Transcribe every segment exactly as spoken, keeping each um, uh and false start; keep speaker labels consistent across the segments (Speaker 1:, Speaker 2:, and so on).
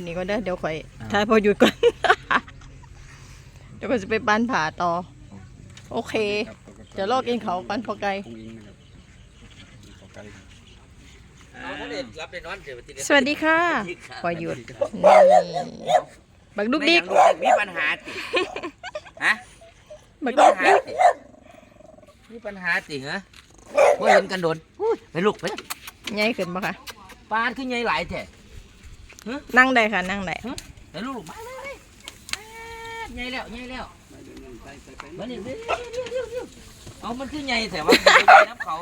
Speaker 1: นี่ก็เด้อเดี๋ยวข่อยถ่ายพอหยุดก่อน เดี๋ยวก็จะไปบ้านผาต่อโอเคจะลอกกินเขาปันพอไกลสวัสดีค่ะพอหยุดนี่บักดุกดิก
Speaker 2: มีปัญหาติฮะ
Speaker 1: บักดุกดิก
Speaker 2: มีปัญหาติเหรอว่าเห็นกันโดนไปลูกไป
Speaker 1: ใหญ่ขึ้นปะคะ
Speaker 2: ปานขึ้นใหญ่หลายแท้
Speaker 1: นั่งได้ค่ะนั่งได้
Speaker 2: ไปลูกลูกมาเลยใหญ่แล้วใหญ่แล้วมาเนี่ยเอามันขึ้นใหญ่แต่ว่าน้ำเขา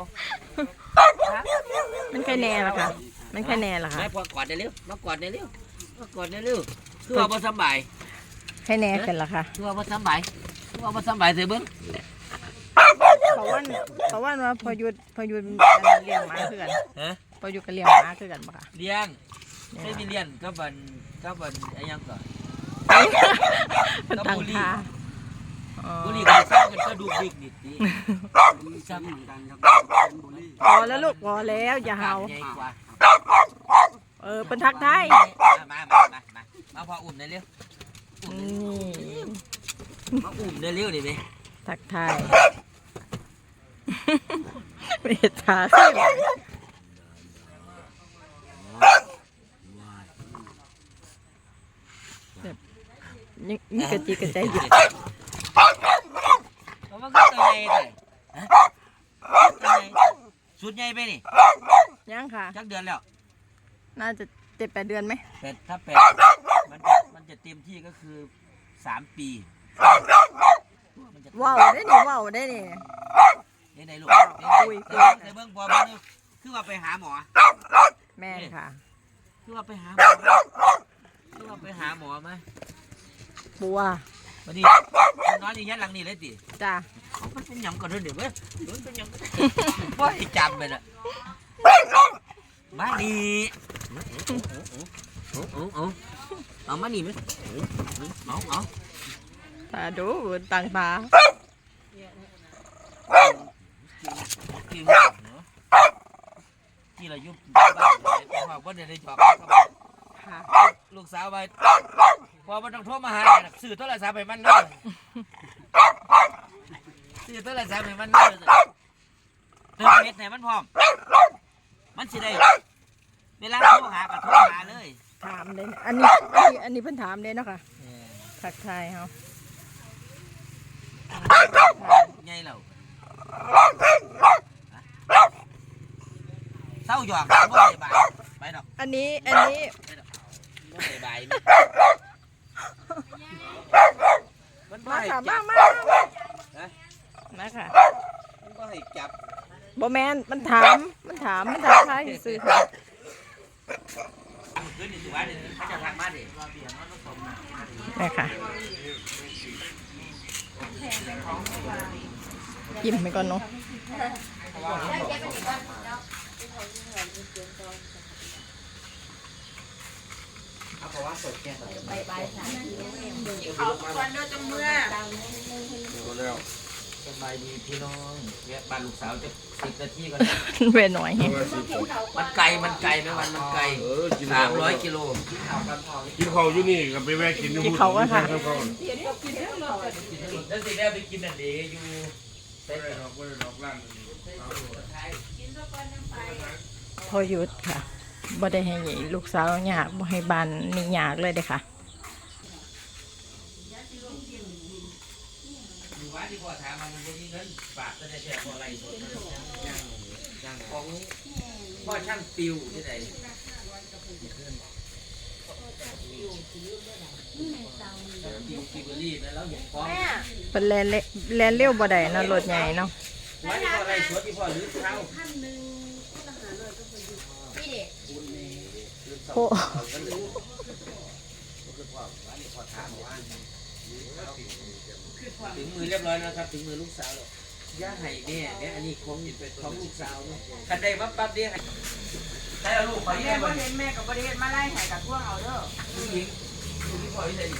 Speaker 1: มันแค่แน่ละค่ะมันแค่แน่ละค่ะ
Speaker 2: ไม่พอกอดได้เร็วมากอดได้เร็วมากอดได้เร็วคือเอามาสบาย
Speaker 1: แค่แน่ขึ้นละค่ะ
Speaker 2: คือเอามาสบายคือเอามาสบายเสียเบิ้ง
Speaker 1: เพราะว่าเพราะว่าว่าพอหยุดพอหยุดเลี้ยงหมาคือกันพอหยุดก็เลี้ยงหมาคือกันปะคะ
Speaker 2: เลี้ยงไม่มีเลี้ยงก็บันก็บันไอ้ยังก่อน
Speaker 1: มันต่างคา
Speaker 2: บุรีก็สร้างกันก็ดูดิกนิดดี
Speaker 1: พอแล้วลูกพอแล้วอย่าเห่าเออเป็นทักทาย
Speaker 2: มามามามามาพออุ่มได้เร็วมาอุ่มได้เร็วดิไหม
Speaker 1: ทักทายเมตตาสินี่นี่กระจิกกระใจหยุด
Speaker 2: มันก็ตัวใหญ่เลยสุดใหญ่ไปนี่
Speaker 1: ยังค่ะ
Speaker 2: จักเดือนแล้ว
Speaker 1: น่าจะเจ็ดแปดเดือนไหม
Speaker 2: แปดถ้าแปดมันมันจะเต็มที่ก็คือสามปี
Speaker 1: ว้าวได้นี่ว้าวได้นี่
Speaker 2: นี่ในลูกคุยคุยในเบื้องบนนี่คือว่าไปหาหมอ
Speaker 1: แม่ค่ะ
Speaker 2: คือว่าไปหาหมอคือว่าไปหาหมอไหม
Speaker 1: บัว
Speaker 2: วันนี้น้อยนี่ยัดหลังนี่เลยดิ
Speaker 1: จ้า
Speaker 2: มันเป็นยำก่อนเดี๋ยวเว้ยมันเป็นยำว่าให้จำไปละมาดีเอามานี่ไหมเอาเอา
Speaker 1: ตาดูต่างตา
Speaker 2: ที่เรายุบบ้านว่าเดี๋ยวได้จอบลูกสาวไปพอมันต้องโทรมาหาสื่อโทรศัพท์ไปมันเลยสื่อโทรศัพท์ไปมันเลยเติมเม็ดไหนมันพร้อมมันสิได้เวลาโทรหาก็โทรหาเลย
Speaker 1: ถามเลยอันนี้อันนี้อันนี้เพิ่นถามเลยเนาะค่ะทักทายเขา
Speaker 2: ไงเราเศร้าหยอกบ่ได้บายไปดอก
Speaker 1: อันนี้อันนี้
Speaker 2: บ่ได้บาย
Speaker 1: มาค่ะมามามาค่ะ
Speaker 2: มันบ่ให้จับ
Speaker 1: บ่แมนมันถามมันถามมันถามใครซื้อค่ะ
Speaker 2: คืนนี้สิว่าเดี๋ยวเขาจะทักมาดิ
Speaker 1: นี่ค่ะยิ้มไปก่อนเนาะ
Speaker 2: เขาควันเดินจังเมื่อสบายดีพี่น้องแวะบ้านลูกสาวจะสิบนาทีก่อน
Speaker 1: เว้นหน่อย
Speaker 2: มันไกลมันไกลไหมวันมันไกลสามร้อยกิโล
Speaker 3: กินเขาอยู่นี่ก็ไปแวะกิน
Speaker 1: กินเขาก็ค่ะ
Speaker 2: แล้วสิได้ไปกินอันเดียอยู่
Speaker 1: พอหยุดค่ะบ่ได้ให้ลูกสาวหยากบ่ให้บ้านนี่หยากเลยเด้ค่ะ
Speaker 2: ที่พ่อถามมันจะมีเงินฝากจะได้แชร์พออะไรสดอย่างของพ่อช่างปิวที่ไหนปิวปิวรีบแล้วเห็นฟ้อง
Speaker 1: เป็นแลนแลนเลี้ยวบ่ได้เนาะรถใหญ่เนาะ
Speaker 2: ว่าที่พ่ออะไรสดที่พ่อหรือเท้า
Speaker 1: โอ้
Speaker 2: ถึงมือเรียบร้อยแล้วครับถึงมือลูกสาวแล้วย่าไห่เนี่ยเนี่ยอันนี้ของของลูกสาวคันใดมาปั๊บเนี่ยใช่เอาลูกไป
Speaker 4: แม่ก็เห็นแม่กับประเด็นมาไล่ไห่กับพวกเอาเด้อ
Speaker 2: ผู้หญิงผู้หญิงพ่อที่ไหน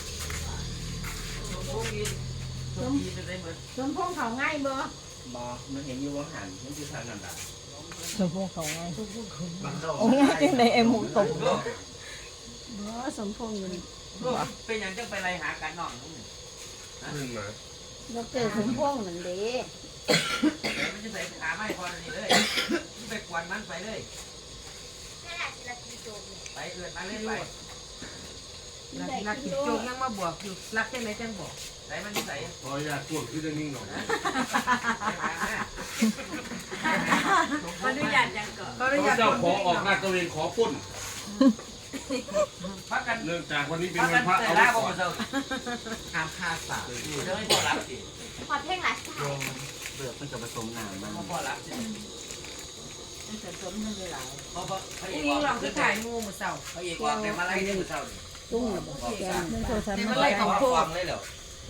Speaker 2: ผู้หญิงผู้หญิงจะได้เหมือน
Speaker 4: สมพงษ์เขาง่ายบ่
Speaker 2: บ่มันเห็นอยู่ว่าหันมันคือทางนั่นแหละ
Speaker 1: สมพงษ์เขาง่ายโอ้ยในเอ็มหูตก
Speaker 5: บ่สมพงษ์อยู่นี่
Speaker 2: ลูกเป็นหยังจังไปไล่หากันน้องนู่น
Speaker 3: ขึ้นมา
Speaker 5: ดอกเตอรสมพงษ์นั่นเด้
Speaker 2: แต่มันจะใส่ขาไม้พอนี่เลยไปกวนมันไปเลยไปเกิดมาเลยไป
Speaker 4: รักรักกินโจกยังมาบวกอยู่รักจังไหนจังบอก
Speaker 2: ใส่มันใส่
Speaker 3: พออยากกวดขึ้นจะนิ่งหน่อย
Speaker 4: ขออนุญาตยังก่อนขออนุญาต
Speaker 3: เจ้าขอออกหน้าตะเวนขอปุ้น
Speaker 2: พักกัน
Speaker 3: เนื่องจากวันนี้เป็น
Speaker 2: พัก
Speaker 3: วั
Speaker 2: กัน น
Speaker 3: พระ
Speaker 2: แต่
Speaker 3: เอา
Speaker 2: ละ
Speaker 3: ไว้
Speaker 2: พว
Speaker 3: ก่
Speaker 2: ก
Speaker 3: อน
Speaker 2: เราห้ามฆ่าสัตว์จะไม่พอรับสิ
Speaker 5: ขอเพลงหลายสาย
Speaker 2: เบือกมันจะผสมน้ำมันพอรับสิ
Speaker 4: มันจะสมทั้งหลาย
Speaker 2: เพราะพระเอ
Speaker 4: อี
Speaker 2: ก
Speaker 4: นี่
Speaker 2: ว่า
Speaker 4: เราจะถ่ายงูมือเสา
Speaker 2: พระเอกว่าแต่มาไล่ที่มือเศร้า
Speaker 5: ตุ้งน่ะบ่แกนเรื่องโทรศัพท์
Speaker 2: มาไล่ของฟังเลยเหรอ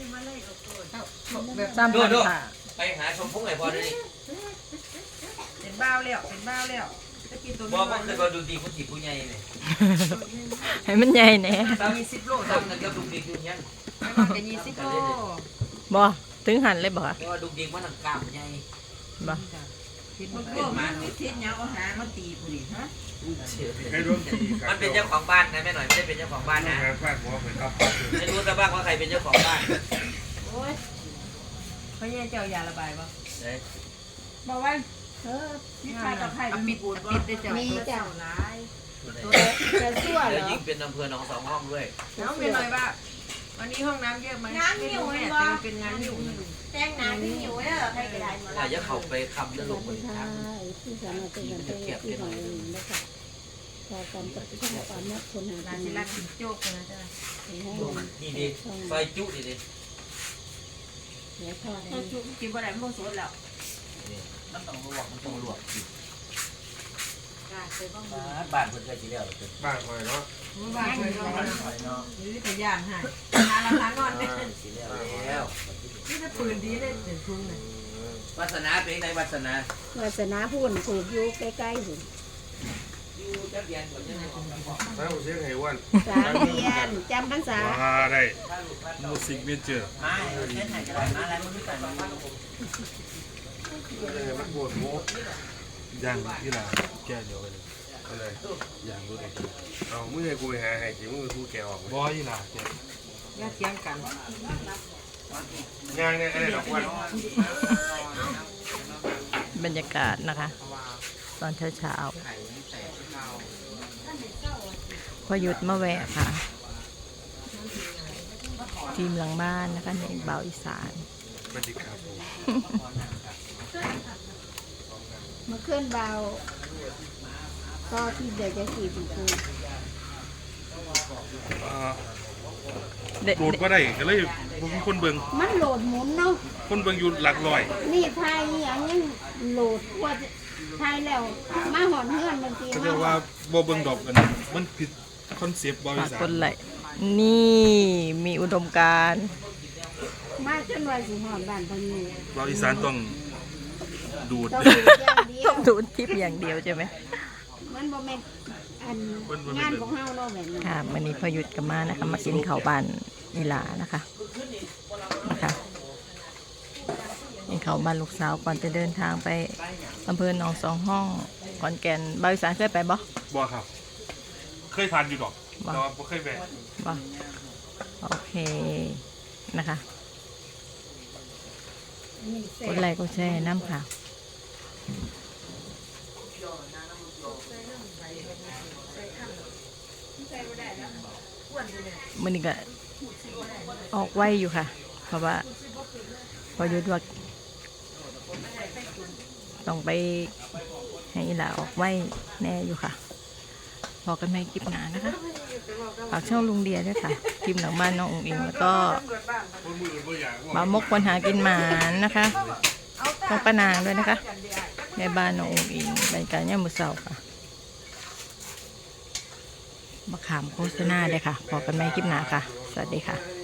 Speaker 4: แบบ
Speaker 1: สามพันค่ะ
Speaker 2: ไปหาชมพุ่งไอ้พอเลย
Speaker 4: เป็นบ้าวแล้วเป็นบ้าวแล้วจะกินตัว
Speaker 2: บ
Speaker 4: นี้
Speaker 2: อกว่าเคยมาดูดีผู้จีผู้ใหญ่เลย
Speaker 1: ให้มันใหญ่แหน่
Speaker 4: ยี่สิบโล
Speaker 2: ทำกันกับดูดีอยู่ยัง
Speaker 4: ไม่ต้องจะยี่สิบโล
Speaker 1: บ่ถึงหันเลยบ่คะ
Speaker 2: เพราะว่าดูดีมันหนังกล้ามใหญ่
Speaker 1: บ่
Speaker 4: คิดมันก็มันทิศยังเอาหางมาตีผู้ดิฮะ
Speaker 3: ให้ร่วมตีกั
Speaker 2: มันเป็นเจ้าของบ้านนะแม่หน่อยไม่ได้เป็นเจ้าของบ้านนะ
Speaker 3: งานฟาดหัวไปครับ
Speaker 2: ไม่รู้ซะบ้างว่าใครเป็นเจ้าของบ้าน
Speaker 4: โอ้ยเขาแย่เจ้ายาระบายป่ะ
Speaker 2: เอ้ย
Speaker 4: บอกว่า
Speaker 5: เออ
Speaker 4: พี่ชายกับใครปิดปูนปิดได้เจ้า
Speaker 5: มีเจ้า
Speaker 4: ร้าย
Speaker 5: กระซั่วเหร
Speaker 2: แล้ว
Speaker 5: อ
Speaker 2: ยิ่งเป็นอำเภอหนองสองห้องด้วย
Speaker 4: น้องเป็นหน่อยว่าวันนี้ห้องน้ำเยอะไหมงานหิวแม่แต่เป็นงานหิว
Speaker 5: แจ้งน้ำที่หิวเด้อใครก็ได้หมด
Speaker 2: ถ้าจะเข้าไปคำแล้วลงไป
Speaker 5: ใช่
Speaker 2: ทำ
Speaker 5: ที่สามารถเป็นกันได้ที่ของเองนะคะพอกันกับที่ทำความนักคนหา
Speaker 4: ร้าน
Speaker 5: กิ
Speaker 4: สิ
Speaker 5: น
Speaker 4: รักกินโจ๊กนะจ๊ะ
Speaker 5: ให้ให้
Speaker 2: นี่ดิซอยจุดิดิ
Speaker 5: เดี๋ยวทอด
Speaker 4: ถ้าชุบกินบ่ได้มันบ่สดแล้ว
Speaker 2: มันต้องลวกมันต้องลวก
Speaker 4: กาเคยบ้าง
Speaker 2: บ้านเพิ่นเคยสิแล้วเพิ่น
Speaker 3: บ้านคอยเนาะ
Speaker 4: บ้านเคยบ้าง
Speaker 2: คอยเนาะ
Speaker 4: นี่พยานให้หาราคานอนเนี่ย
Speaker 2: สิแล้วแล้ว
Speaker 4: นี่ถ้าปืนดีเลยเดี๋ยวทุ่งเลยว
Speaker 2: าสนาเป็นไงวาสนาว
Speaker 5: าสนาพูนปลูกอยู่ใกล้ๆหุ่น
Speaker 2: อยู่จักเรียนบ่จังได๋
Speaker 3: ถ้าผมเสียงให้วัน
Speaker 5: สามเดือนจำพรรษา
Speaker 3: ว้าได้
Speaker 2: ถ้าลูกบ้าน
Speaker 3: มูสิกเมเจอร์
Speaker 2: มาเฮ็ดให้ก็ได้มาแล้วมันคือกัน
Speaker 3: มันปวดหัว
Speaker 6: ย่างที่ร้านแก้เดียวกันเลย
Speaker 3: อะไร
Speaker 6: ย่างรถไอ้
Speaker 3: เอาเมื่อกูไปหาให้สิมึงกูแกออก
Speaker 6: บอยที่ร้านแก้
Speaker 4: อย่าเถียงกัน
Speaker 3: ย่างเนี่ยอะไรดอกวัน
Speaker 1: บรรยากาศนะคะ ตอนเช้าๆพอหยุดมาแวะค่ะ ทีมหลังบ้านนะคะในเบาอีสาน
Speaker 3: สวัสดีครับผม
Speaker 5: มาเคลื่อนเบาก็ที่เดี๋ยวจะขี่ปีกู
Speaker 1: เด็ด
Speaker 6: โหลดก็ได้ก็เลยบ่มีคนเบิ่ง
Speaker 5: มันโหลดหมุนเนาะ
Speaker 6: คนเบิ่งอยู่หลักร้อย
Speaker 5: นี่ไทยอย่างนี้โหลดกว่าจะไทยแล้วมาหอนเฮือนบางที
Speaker 6: ก็
Speaker 5: มา
Speaker 6: จะ
Speaker 5: ห
Speaker 6: ว่า
Speaker 5: อน
Speaker 6: บ่เบิ่งดอกกันมันผิดคอนเซปต์บริ
Speaker 1: ฝาก
Speaker 6: ษัท
Speaker 1: คนไหลค์นี่มีอุดมการณ์
Speaker 5: มาจนวันสิหอนบ้านพนนี้
Speaker 6: บริษัทต้องดูด
Speaker 5: ต้องดูอย่างเดีย
Speaker 1: ต้
Speaker 5: ว
Speaker 1: องดูคลิปอย่างเดียวใช่ไหม
Speaker 5: มันบ่แม่นอันงานของเฮาเนาะแบบนี้
Speaker 1: ค่ะวันนี้พอหยุดกันมานะคะ มากินข้าวบ้านอีหลานะคะนะคะกินข้าวบ้านลูกสาวก่อนจะเดินทางไปอำเภอหนองสองห้องขอนแก่นบริษัทเคยไปบ่
Speaker 6: บ่ครับ เคยทานอยู่ดอก
Speaker 1: บ่
Speaker 6: แต่ว่าบ่เคยแวะ
Speaker 1: บ่โอเคนะคะกดไลค์กดแชร์น้ำค่ะมันนี่ก็ออกไวอยู่ค่ะ เพราะว่าพอหยุดว่าต้องไปให้อีหลาออกไวแน่อยู่ค่ะพอกันไม่คลิปหนานะคะฝากช่องลุงเดียด้วยค่ะคลิปหลังบ้านน้ององอิงแล้วก็บามกคนหากินหมานนะคะต้องป้านางด้วยนะคะในบ้านน้ององอิงบรรยากาศย่ามมือเสาค่ะมาขามโฆษณาเลยค่ะพอกันไม่คลิปหนาค่ะสวัสดีค่ะ